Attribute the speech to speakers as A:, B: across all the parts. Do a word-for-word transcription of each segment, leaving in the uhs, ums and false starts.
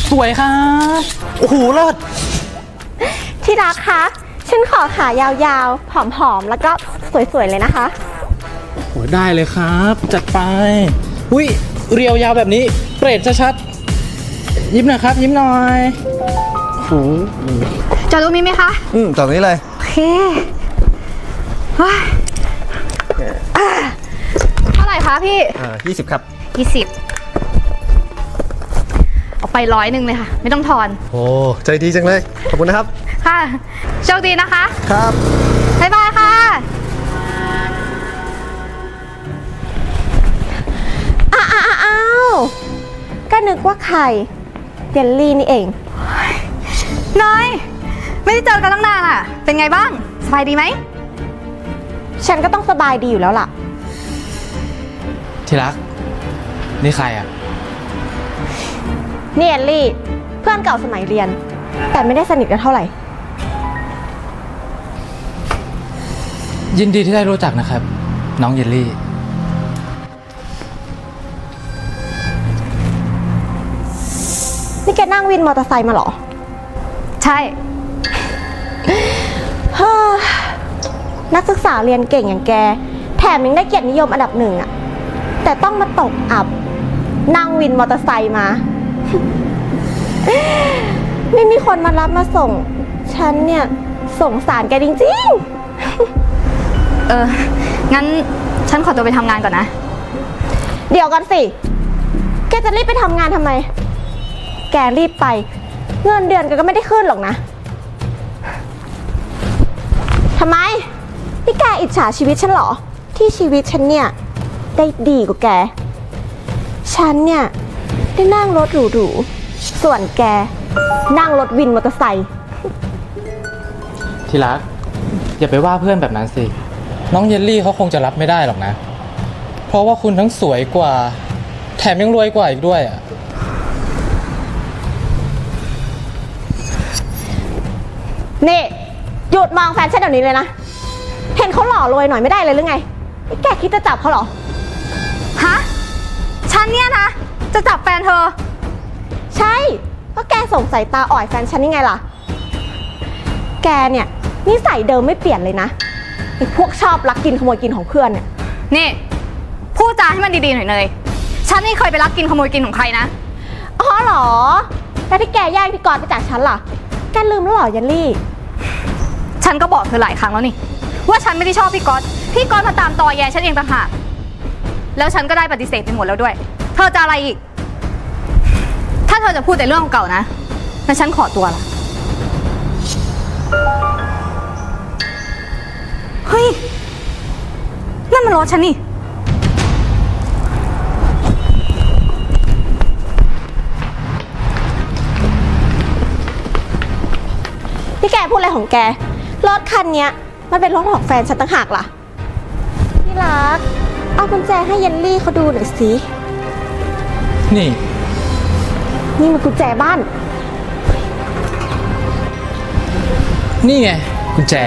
A: สวยครับโอ้โหเลิศ
B: ที่รักคะฉันขอขายาวๆผอมๆแล้วก็สวยๆเลยนะคะ
A: โอ้ได้เลยครับจัดไปอุ้ยเรียวยาวแบบนี้เปรตชัดๆยิ้มหน่อยครับยิ้มหน่อยโอ้โห
C: จอดตรงนี้ไหมคะ
D: อืมจอดตรงนี้เลย
C: โอเคเท่าไหร่คะพี่
D: อ่ายี่สิบครับ
C: ยี่สิบเอาไปร้อยหนึ่งเลยค่ะไม่ต้องทอน
D: โอ้ใจดีจังเลยขอบคุณนะครับ
C: ค่ะโชคดีนะคะ
D: ครับ
C: บ๊ายบายค่ะ
B: อ้าวอ้าวก็นึกว่าใครเยลลี่นี่เอง
C: น้อยไม่ได้เจอกันตั้งนานอ่ะเป็นไงบ้างสบายดีไหม
B: ฉันก็ต้องสบายดีอยู่แล้วล่ะ
A: ที่รักนี่ใครอ่ะ
B: นี่เยลลี่เพื่อนเก่าสมัยเรียนแต่ไม่ได้สนิทกันเท่าไหร่
A: ยินดีที่ได้รู้จักนะครับน้องเยลลี่
B: นี่แกนั่งวินมอเตอร์ไซค์มาเหรอ
C: ใช่
B: นักศึกษาเรียนเก่งอย่างแกแถมยังได้เกียรตินิยมอันดับหนึ่งอะแต่ต้องมาตกอับนั่งวินมอเตอร์ไซค์มา ไม่มีคนมารับมาส่งฉันเนี่ยสงสารแกจริง
C: ๆเอองั้นฉันขอตัวไปทำงานก่อนนะ
B: เดี๋ยวก่อนสิแกจะรีบไปทำงานทำไมแกรีบไปเงินเดือนแกก็ไม่ได้ขึ้นหรอกนะทำไมนี่แกอิจฉาชีวิตฉันเหรอที่ชีวิตฉันเนี่ยได้ดีกว่าแกฉันเนี่ยได้นั่งรถหรูๆส่วนแกนั่งรถวินมอเตอร์ไซค์
A: ที่รักอย่าไปว่าเพื่อนแบบนั้นสิน้องเยลลี่เขาคงจะรับไม่ได้หรอกนะเพราะว่าคุณทั้งสวยกว่าแถมยังรวยกว่าอีกด้วยอ่ะ
B: นี่หยุดมองแฟนฉันเดี๋ยวนี้เลยนะเห็นเขาหล่อรวยหน่อยไม่ได้เลยหรือไงแกคิดจะจับเขาเหรอ
C: ฮะฉันเนี่ยนะจะจับแฟนเธอ
B: ใช่เพราะแกส่งสายตาอ่อยแฟนฉันยังไงล่ะแกเนี่ยนิสัยเดิมไม่เปลี่ยนเลยนะไอ้พวกชอบลักกินขโมยกินของเพื่อนเนี่ย
C: นี่พูดจาให้มันดีๆหน่อยเลยฉันไม่เคยไปลักกินขโมยกินของใครนะ
B: อ๋อเหรอแล้วที่แกแย่งพี่กรณ์ไปจากฉันล่ะแกลืมแล้วเหรอยันลี่
C: ฉันก็บอกเธอหลายครั้งแล้วนี่ว่าฉันไม่ได้ชอบพี่ก๊อตพี่ก๊อตมาตามตอแยฉันเองต่างหากแล้วฉันก็ได้ปฏิเสธไปหมดแล้วด้วยเธอจะอะไรอีกถ้าเธอจะพูดแต่เรื่องเก่านะงั้นฉันขอตัวละเฮ้ยนั่นมันรถฉันนี่
B: ที่แกพูดอะไรของแกรถคันนี้มันเป็นรถของแฟนฉันต่างหากล่ะที่รักเอากุญแจให้เยลลี่เขาดูหน่อยสิ
A: นี่
B: นี่มันกุญแจบ้าน
A: นี่ไงกุญแจ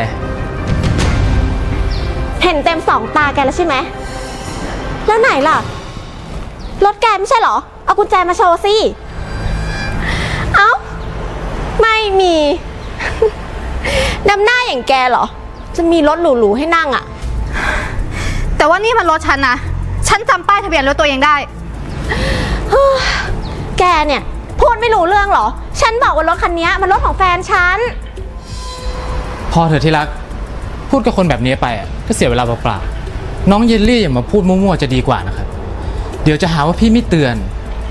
B: เห็นเต็มสองตาแกแล้วใช่ไหมแล้วไหนล่ะรถแกไม่ใช่เหรอเอากุญแจมาโชว์สิเอ้าไม่มีนำหน้าอย่างแกเหรอจะมีรถหรูๆให้นั่งอ่ะ
C: แต่ว่านี่มันรถฉันนะฉันจำป้ายทะเบียนรถตัวเองได้
B: แกเนี่ยพูดไม่รู้เรื่องเหรอฉันบอกว่ารถคันนี้มันรถของแฟนฉัน
A: พอเถอะที่รักพูดกับคนแบบนี้ไปอ่ะก็เสียเวลาเปล่าๆน้องเยลลี่อย่ามาพูดมั่วๆจะดีกว่านะครับเดี๋ยวจะหาว่าพี่ไม่เตือน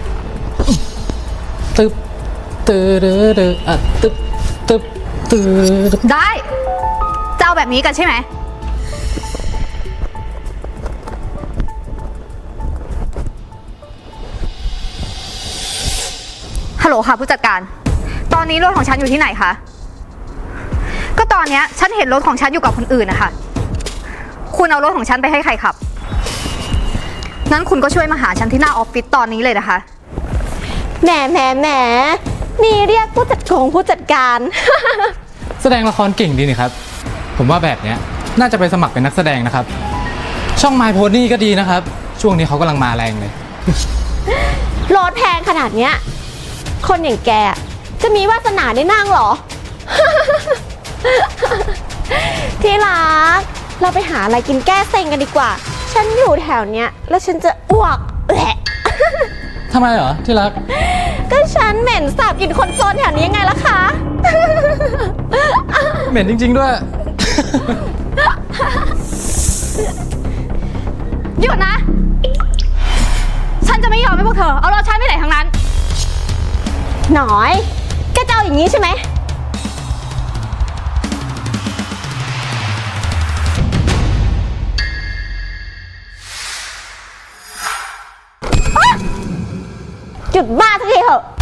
A: ตึ๊บตึ๊ดเดอ่ะตึ๊บตึ๊บตึ๊ด
C: ได้จะเอาแบบนี้กันใช่ไหมฮัลโหลค่ะผู้จัดการตอนนี้รถของฉันอยู่ที่ไหนคะก็ตอนนี้ฉันเห็นรถของฉันอยู่กับคนอื่นนะคะคุณเอารถของฉันไปให้ใครขับนั้นคุณก็ช่วยมาหาฉันที่หน้าออฟฟิศตอนนี้เลยนะคะ
B: แหมแหมแหมนี่เรียกผู้จัดกงผู้จัดการ
A: แสดงละครเก่งดีนี่ครับผมว่าแบบนี้น่าจะไปสมัครเป็นนักแสดงนะครับช่อง My Pony ก็ดีนะครับช่วงนี้เขากำลังมาแรงเลย
B: รถแพงขนาดเนี้ยคนอย่างแกจะมีวาสนาได้นั่งเหรอ ที่รัก เราไปหาอะไรกินแก้เซ็งกันดีกว่า ฉันอยู่แถวเนี้ยแล้วฉันจะอ้วกแหละ
A: ทำไมเหรอที่รัก
B: ก็ฉันเหม็นสาบกลินคนโซนแถวนี้ยังไงล่ะคะ
A: เหม็นจริง ๆ ด้วย
C: หยุดนะ ฉันจะไม่ยอมให้พวกเธอเอารถฉันไปไหนทั้งนั้น
B: หน่อยแกจะเอาอย่างนี้ใช่ไหม หยุดบ้าสักทีเถอะ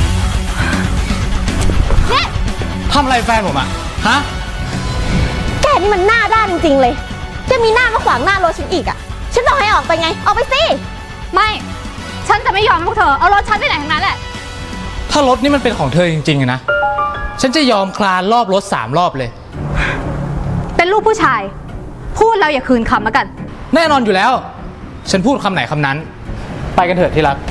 B: เนี่ย
A: ทำอะไรแฟนผมอะฮะ
B: แกนี่มันหน้าด้านจริงๆเลย จะมีหน้ามาขวางหน้ารถฉันอีกอ่ะ ฉันบอกให้ออกไปไง ออกไปสิ
C: ไม่ ฉันจะไม่ยอมให้พวกเธอเอารถฉันไปไหนทั้งนั้นแหละ
A: ถ้ารถนี่มันเป็นของเธอจริงๆอะนะ ฉันจะยอมคลานรอบรถสามรอบเลย
C: เป็นลูกผู้ชาย พูดแล้วอย่าคืนคำแล้วกัน
A: แน่นอนอยู่แล้ว ฉันพูดคำไหนคำนั้น ไปกันเถอะที่รัก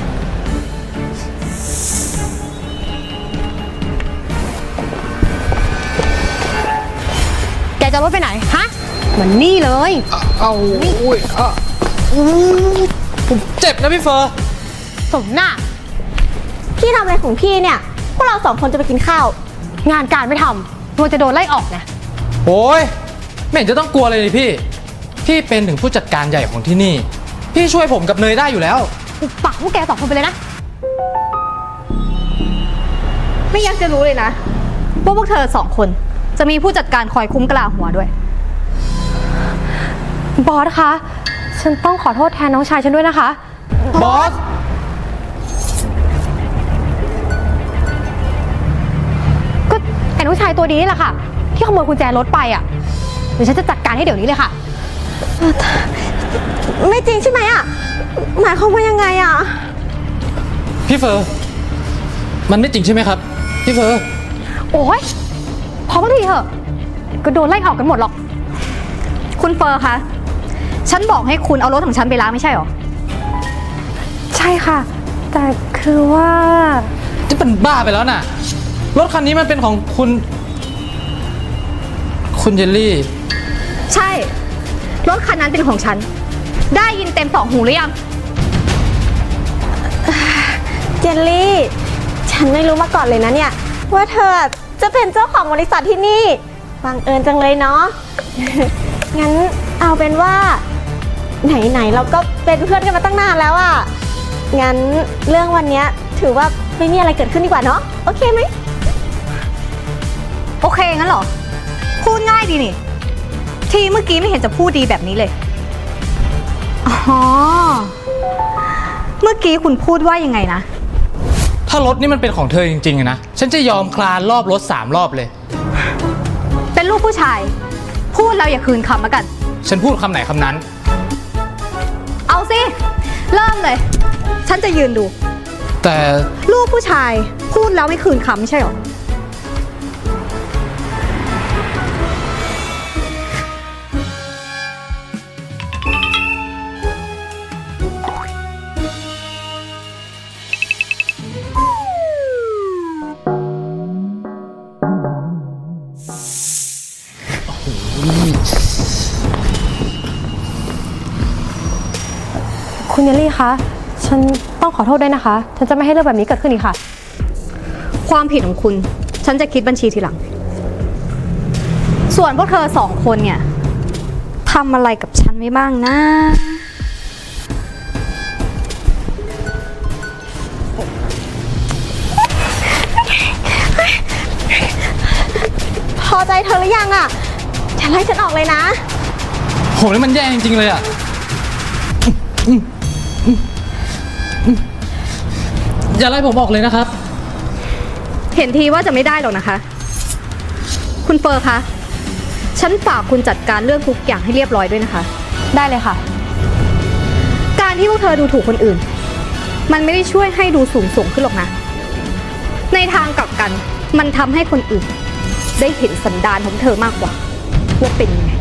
B: แกจะรถไปไหน ฮะเหมือนนี่เลย
A: เอาอุ้ยอ่ะผมเจ็บนะพี่เฟอร์
B: สมหน้า พี่ทำอะไรของพี่เนี่ย พวกเราสองคนจะไปกินข้าว งานการไม่ทำตัวจะโดนไล่ออกนะ
A: โอ้ยไม่เห็นจะต้องกลัวเลยนี่พี่ พี่เป็นถึงผู้จัดการใหญ่ของที่นี่ พี่ช่วยผมกับเนยได้อยู่แล้ว
B: อุปปากพวกแกสองคนไปเลยนะ
C: ไม่อยากจะรู้เลยนะว่าพวกเธอสองคนจะมีผู้จัดการคอยคุ้มกลาหัวด้วย
B: บอสคะ ฉันต้องขอโทษแทนน้องชายฉันด้วยนะคะ
A: บอส
B: ก็ไอ้น้องชายตัวดีนี่แหละค่ะ ที่ขโมยกุญแจรถไปอ่ะ เดี๋ยวฉันจะจัดการให้เดี๋ยวนี้เลยค่ะ ไม่จริงใช่ไหมอ่ะ หมายความว่ายังไงอ่ะ
A: พี่เฟอร์ มันไม่จริงใช่ไหมครับ พี่เฟอร์
B: โอ๊ยพอมาทีเถอะ ก็โดนไล่ออกกันหมดหรอก
C: คุณเฟอร์คะ ฉันบอกให้คุณเอารถของฉันไปล้างไม่ใช่หรอ
B: ใช่ค่ะ แต่คือว่า
A: จะเป็นบ้าไปแล้วน่ะ รถคันนี้มันเป็นของคุณ คุณเยลลี่
C: ใช่ รถคันนั้นเป็นของฉัน ได้ยินเต็มสองหูหรือยัง
B: เจลลี่ ฉันไม่รู้มาก่อนเลยนะเนี่ย ว่าเธอจะเป็นเจ้าของบริษัทที่นี่บังเอิญจังเลยเนาะ งั้นเอาเป็นว่า ไหนๆเราก็เป็นเพื่อนกันมาตั้งนานแล้วอะงั้นเรื่องวันเนี้ยถือว่าไม่มีอะไรเกิดขึ้นดีกว่าเนาะโอเคไหม
C: โอเคงั้นเหรอ พูดง่ายดีนี่ ทีเมื่อกี้ไม่เห็นจะพูดดีแบบนี้เลย อ๋อ เมื่อกี้คุณพูดว่ายังไงนะ
A: ถ้ารถนี่มันเป็นของเธอจริงๆอะนะ ฉันจะยอมคลานรอบรถสามรอบเลย
C: เป็นลูกผู้ชาย พูดแล้วอย่าคืนคำแล้วกัน
A: ฉันพูดคำไหนคำนั้น
C: เอาสิ เริ่มเลย ฉันจะยืนดู
A: แต่
C: ลูกผู้ชายพูดแล้วไม่คืนคำไม่ใช่หรอ
B: คุณเยลลี่คะ ฉันต้องขอโทษด้วยนะคะ ฉันจะไม่ให้เรื่องแบบนี้เกิดขึ้นอีกค่ะ
C: ความผิดของคุณ ฉันจะคิดบัญชีทีหลัง ส่วนพวกเธอสองคนเนี่ยทำอะไรกับฉันไว้บ้างนะ
B: พอใจเธอหรือยังอะอย่าไล่ฉันออกเลยนะ
A: โหนี่มันแย่จริงๆเลยอะอย่าไล่ผมออกเลยนะครับ
C: เห็นทีว่าจะไม่ได้หรอกนะคะ คุณเฟอร์คะ ฉันฝากคุณจัดการเรื่องทุกอย่างให้เรียบร้อยด้วยนะคะ
B: ได้เลยค่ะ
C: การที่พวกเธอดูถูกคนอื่น มันไม่ได้ช่วยให้ดูสูงส่งขึ้นหรอกนะ ในทางกลับกัน มันทำให้คนอื่น ได้เห็นสันดานของเธอมากกว่าว่าเป็นยังไง